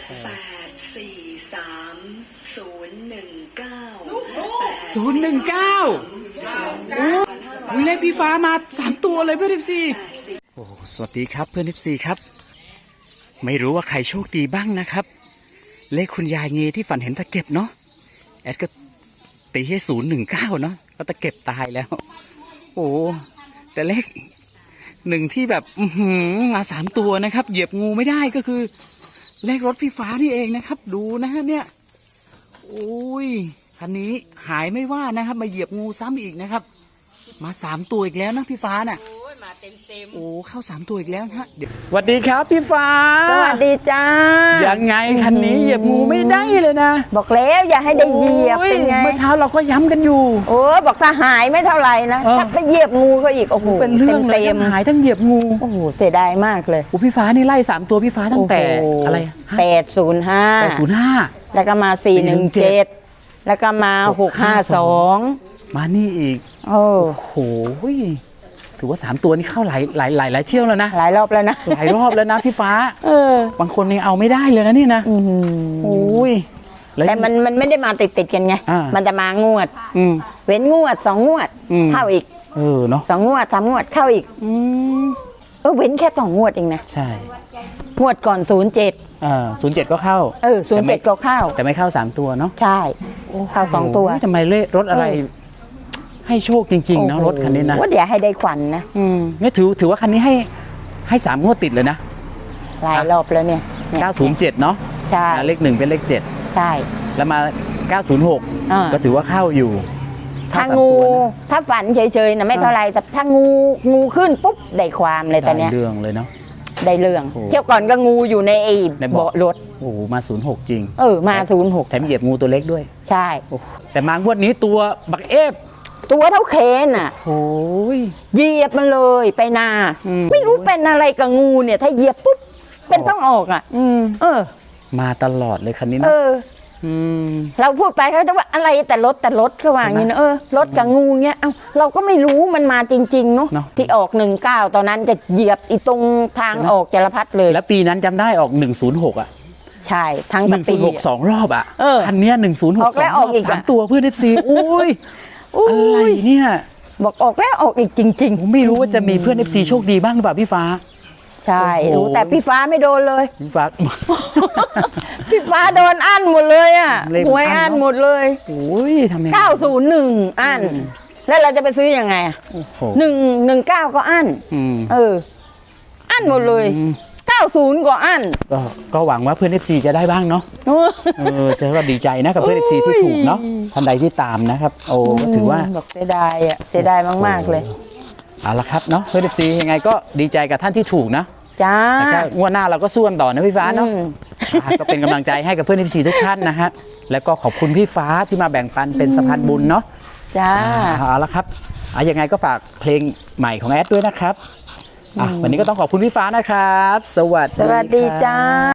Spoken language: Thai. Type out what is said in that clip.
โอ้ยเลขพี่ฟ้ามา3 ตัวเลยเพื่อน14โอ้สวัสดีครับเพื่อน14ครับไม่รู้ว่าใครโชคดีบ้างนะครับเลขคุณยายเงที่ฝันเห็นตะเก็บเนาะแอดก็ตีให้019เนาะก็ตะเก็บตายแล้วโอ้แต่เลข1ที่แบบมา3 ตัวนะครับเหยียบงูไม่ได้ก็คือเลขรถพี่ฟ้านี่เองนะครับดูนะฮะเนี่ยโอ้ยคันนี้หายไม่ว่านะครับมาเหยียบงูซ้ำอีกนะครับมา3 ตัวอีกแล้วนะพี่ฟ้าน่ะโอ้ยมาเต็มโอ้เข้า3 ตัวอีกแล้วฮะสวัสดีครับพี่ฟ้าสวัสดีจ้ายังไงคันนี้เหยียบงูไม่ได้เลยนะบอกแล้วอย่าให้ได้เหยียบเป็นไงเมื่อเช้าเราก็ย้ำกันอยู่โอ้บอกถ้าหายไม่เท่าไหร่นะถ้าไปเหยียบงูก็อีกโอ้โหเป็นเรื่องเลยทั้งหายทั้งเหยียบงูโอ้โหเสียดายมากเลยโอ้พี่ฟ้านี่ไล่3 ตัวพี่ฟ้าตั้งแต่อะไร 805แล้วก็มา417แล้วก็มา652 มานี่อีกโอ้โหถือว่า3 ตัวนี้เข้าหลายเที่ยวแล้วนะหลายรอบแล้วนะหลายรอบแล้วนะพี่ฟ้าบางคนยังเอาไม่ได้เลยนะนี่นะโอ้ยแต่มันไม่ได้มาติดกันไงมันจะมางวดเว้นงวด2 งวดเข้าอีกเนาะ 2 งวด3 งวดเข้าอีกเว้นแค่2 งวดเองนะใช่งวดก่อน 07ก็เข้า 07ก็เข้าแต่ไม่เข้า3 ตัวเนาะใช่เข้า2 ตัวทำไมเลขรถอะไรให้โชคจริงๆนะรถคันนี้นะว่าเดี๋ยวให้ได้ขวัญนะเนี่ยถือว่าคันนี้ให้3 งวดติดเลยนะหลายรอบแล้วเนี่ย 907เนาะใช่เลข1เป็นเลข7 ใช่แล้วมา906ก็ถือว่าเข้าอยู่ถ้างูถ้าฝันเฉยๆนะไม่เท่าไรแต่ถ้างูขึ้นปุ๊บได้ความเลยแต่เนี้ยได้เรื่องเลยเนาะได้เรื่องเที่ยวก่อนก็งูอยู่ในเบาะรถโอ้มา06จริงมา06 แถมเหยียบงูตัวเล็กด้วยใช่แต่มางวดนี้ตัวบักเอฟตัวเท่าเคนอ่ะโอ้ยเหยียบมันเลยไปนาไม่รู้เป็นอะไรกับงูเนี่ยถ้าเหยียบปุ๊บเป็นต้องออกอ่ะมาตลอดเลยคันนี้นะเราพูดไปเขาจะว่าอะไรแต่รถเขาว่าอย่างนี้นะรถกับงูเงี้ยเราก็ไม่รู้มันมาจริงๆเนาะที่ออก19ตอนนั้นจะเหยียบอีตรงทางออกจรพัฒน์เลยแล้วปีนั้นจำได้ออก106อ่ะใช่ทั้งปี106 2 รอบอ่ะคันนี้106ออกแล้วออกอีก3 ตัวเพื่อนFCอุ้ยอะไรเนี่ยบอกออกแล้วออกอีกจริงๆผมไม่รู้ว่าจะมีเพื่อน FC โชคดีบ้างหรือเปล่าพี่ฟ้าใช่รู้แต่พี่ฟ้าไม่โดนเลยพี่ฟ้าโดนอั้นหมดเลยอ่ะหวยอั้นหมดเลยโอ้ยทำไม 901อั้นแล้วเราจะไปซื้อยังไง119ก็อั้นอั้นหมดเลย90ก็อั้นก็หวังว่าเพื่อน FC จะได้บ้างเนาะจะว่าดีใจนะกับเพื่อน FC ที่ถูกเนาะท่านใดที่ตามนะครับโอ้ถือว่าบอกเสียดายอ่ะเสียดายมากๆเลยเอาละครับเนาะเพื่อน FC ยังไงก็ดีใจกับท่านที่ถูกนะจ้าแล้วก็งวดหน้าเราก็สู้กันต่อนะพี่ฟ้าเนาะก็เป็นกำลังใจให้กับเพื่อน FC ทุกท่านนะฮะแล้วก็ขอบคุณพี่ฟ้าที่มาแบ่งปันเป็นสะพานบุญเนาะจ้าเอาละครับยังไงก็ฝากเพลงใหม่ของแอดด้วยนะครับวันนี้ก็ต้องขอบคุณพี่ฟ้านะครับสวัสดีจ้า